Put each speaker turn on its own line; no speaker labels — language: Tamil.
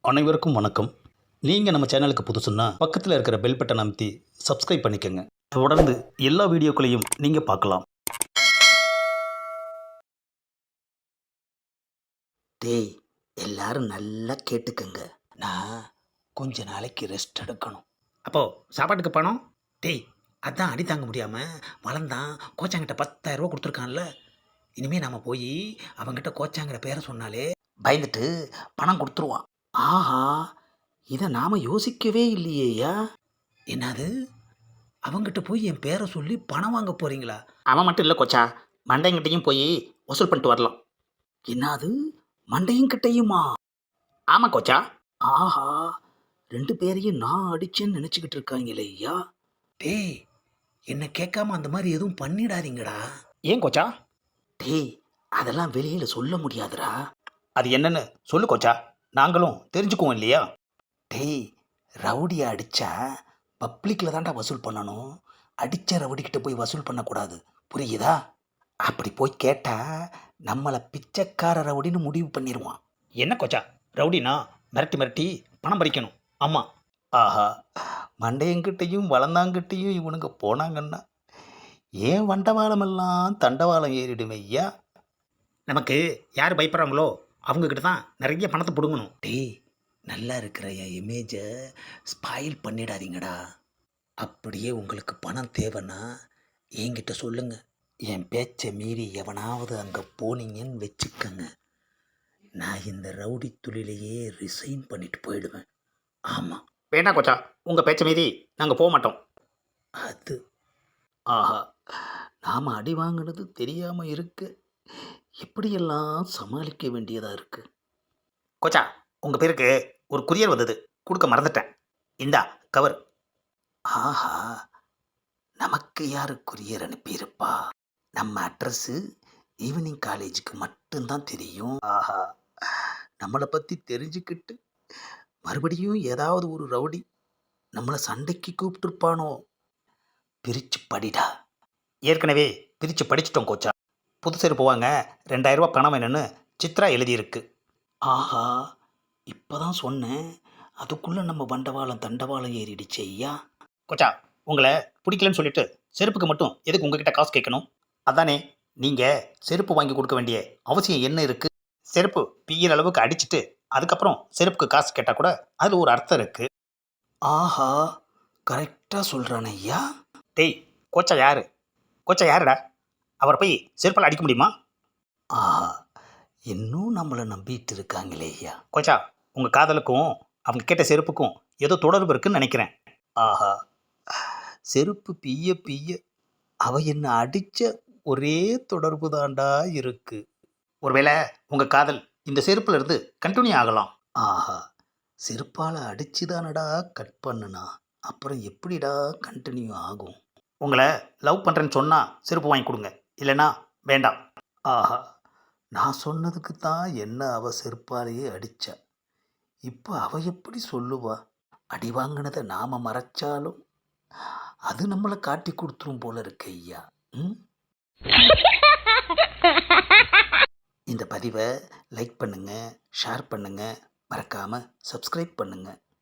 அனைவருக்கும் வணக்கம். நீங்கள் நம்ம சேனலுக்கு புதுசுன்னா பக்கத்தில் இருக்கிற பெல் பட்டனை அமைத்தி சப்ஸ்கிரைப் பண்ணிக்கோங்க. தொடர்ந்து எல்லா வீடியோக்களையும் நீங்கள் பார்க்கலாம்.
டேய், எல்லாரும் நல்லா கேட்டுக்கங்க. நான் கொஞ்ச நாளைக்கு ரெஸ்ட் எடுக்கணும்.
அப்போ சாப்பாட்டுக்கு பணம்? டேய், அதான் அடி தாங்க முடியாமல் வளர்ந்தான். கோச்சாங்கிட்ட 10,000 ரூபா கொடுத்துருக்கான்ல. இனிமேல் நாம் போய் அவங்ககிட்ட கோச்சாங்கிற பேரை சொன்னாலே
பயந்துட்டு பணம் கொடுத்துருவான். ஆஹா, இதை நாம யோசிக்கவே இல்லையேயா.
என்னது, அவங்ககிட்ட போய் என் பேரை சொல்லி பணம் வாங்க போகிறீங்களா?
அவன் மட்டும் இல்லை கோச்சா, மண்டைங்கிட்டையும் போய் வசூல் பண்ணிட்டு வரலாம். என்னது, மண்டையும் கிட்டையுமா? ஆமாம் கோச்சா. ஆஹா, 2 பேரையும் நான் அடிச்சேன்னு நினச்சிக்கிட்டு இருக்காங்களே ஐயா.
டேய், என்னை கேட்காம அந்த மாதிரி எதுவும் பண்ணிடாதீங்கடா.
ஏன் கோச்சா?
டேய், அதெல்லாம் வெளியில் சொல்ல முடியாதுடா.
அது என்னன்னு சொல்லு கோச்சா, நாங்களும் தெரிஞ்சுக்குவோம் இல்லையா?
டேய், ரவுடியை அடித்தா பப்ளிக்கில் தான்டா வசூல் பண்ணணும். அடித்த ரவுடிக்கிட்ட போய் வசூல் பண்ணக்கூடாது, புரியுதா? அப்படி போய் கேட்டால் நம்மளை பிச்சைக்கார ரவுடின்னு முடிவு பண்ணிடுவான்.
என்ன கோச்சா, ரவுடினா மிரட்டி மிரட்டி பணம் பறிக்கணும். ஆமாம்.
ஆஹா, மண்டையங்கிட்டையும் வளர்ந்தாங்கிட்டையும் இவனுங்க போனாங்கன்னா ஏன் வண்டவாளமெல்லாம் தண்டவாளம் ஏறிடுமே ஐயா.
நமக்கு யார் பயப்படுறாங்களோ அவங்கக்கிட்ட தான் நிறைய பணத்தை பிடுங்கணும்.
டேய், நல்லா இருக்கிற என் இமேஜை ஸ்பாயில் பண்ணிடாதீங்கடா. அப்படியே உங்களுக்கு பணம் தேவைன்னா என்கிட்ட சொல்லுங்க. என் பேச்சை மீறி எவனாவது அங்கே போனீங்கன்னு வச்சுக்கங்க, நான் இந்த ரவுடி தொழிலையே ரிசைன் பண்ணிட்டு போயிடுவேன். ஆமாம்.
வேண்டாம் கோச்சா, உங்கள் பேச்சை மீறி நாங்கள் போக மாட்டோம்.
அது ஆஹா, நாம் அடி வாங்கினது தெரியாமல் இருக்கு. எப்படியெல்லாம் சமாளிக்க வேண்டியதாக இருக்குது.
கோச்சா, உங்கள் பேருக்கு ஒரு குரியர் வந்தது, கொடுக்க மறந்துட்டேன். இந்தா கவர்.
ஆஹா, நமக்கு யார் குரியர் அனுப்பியிருப்பா? நம்ம அட்ரஸ்ஸு ஈவினிங் காலேஜுக்கு மட்டும்தான் தெரியும். ஆஹா, நம்மளை பற்றி தெரிஞ்சுக்கிட்டு மறுபடியும் ஏதாவது ஒரு ரவுடி நம்மளை சண்டைக்கு கூப்பிட்டுருப்பானோ. பிரித்து படிடா.
ஏற்கனவே பிரித்து படிச்சிட்டோம் கோச்சா. புது செருப்பு வாங்க 2,000 ரூபா பணம் வேணும்னு சித்ரா எழுதியிருக்கு.
ஆஹா, இப்போ தான் சொன்னேன், அதுக்குள்ளே நம்ம வண்டவாளம் தண்டவாளம் ஏறிடுச்சு ஐயா.
கோச்சா, உங்களை பிடிக்கலன்னு சொல்லிட்டு செருப்புக்கு மட்டும் எதுக்கு உங்ககிட்ட காசு கேட்கணும்? அதானே, நீங்கள் செருப்பு வாங்கி கொடுக்க வேண்டிய அவசியம் என்ன இருக்குது? செருப்பு பிய்யிற அளவுக்கு அடிச்சுட்டு அதுக்கப்புறம் செருப்புக்கு காசு கேட்டால் கூட அதில் ஒரு அர்த்தம் இருக்குது.
ஆஹா, கரெக்டாக சொல்கிறானே ஐயா.
டேய், கோச்சா யார்? கோச்சா யாருடா? அவரை போய் செருப்பால் அடிக்க முடியுமா?
ஆஹா, இன்னும் நம்மளை நம்பிட்டு இருக்காங்களே ஐயா.
கோச்சா, உங்கள் காதலுக்கும் அவங்க கேட்ட செருப்புக்கும் ஏதோ தொடர்பு இருக்குன்னு நினைக்கிறேன்.
ஆஹா, செருப்பு பிய்ய பிய்ய அவ என்ன அடித்த ஒரே தொடர்பு தாண்டா இருக்கு.
ஒருவேளை உங்கள் காதல் இந்த செருப்புல இருந்து கண்டினியூ ஆகலாம்.
ஆஹா, செருப்பால் அடிச்சு தானடா கட் பண்ணுனா, அப்புறம் எப்படிடா கண்டினியூ ஆகும்?
உங்களை லவ் பண்ணுறேன்னு சொன்னால் செருப்பு வாங்கி கொடுங்க, இல்லைன்னா வேண்டாம்.
ஆஹா, நான் சொன்னதுக்கு தான் என்ன அவ செருப்பாலேயே அடித்தா. இப்போ அவ எப்படி சொல்லுவா? அடி வாங்கினதை நாம் மறைச்சாலும் அது நம்மளை காட்டி கொடுத்துரும் போல இருக்கு ஐயா. இந்த பதிவை லைக் பண்ணுங்கள், ஷேர் பண்ணுங்கள், மறக்காமல் சப்ஸ்கிரைப் பண்ணுங்கள்.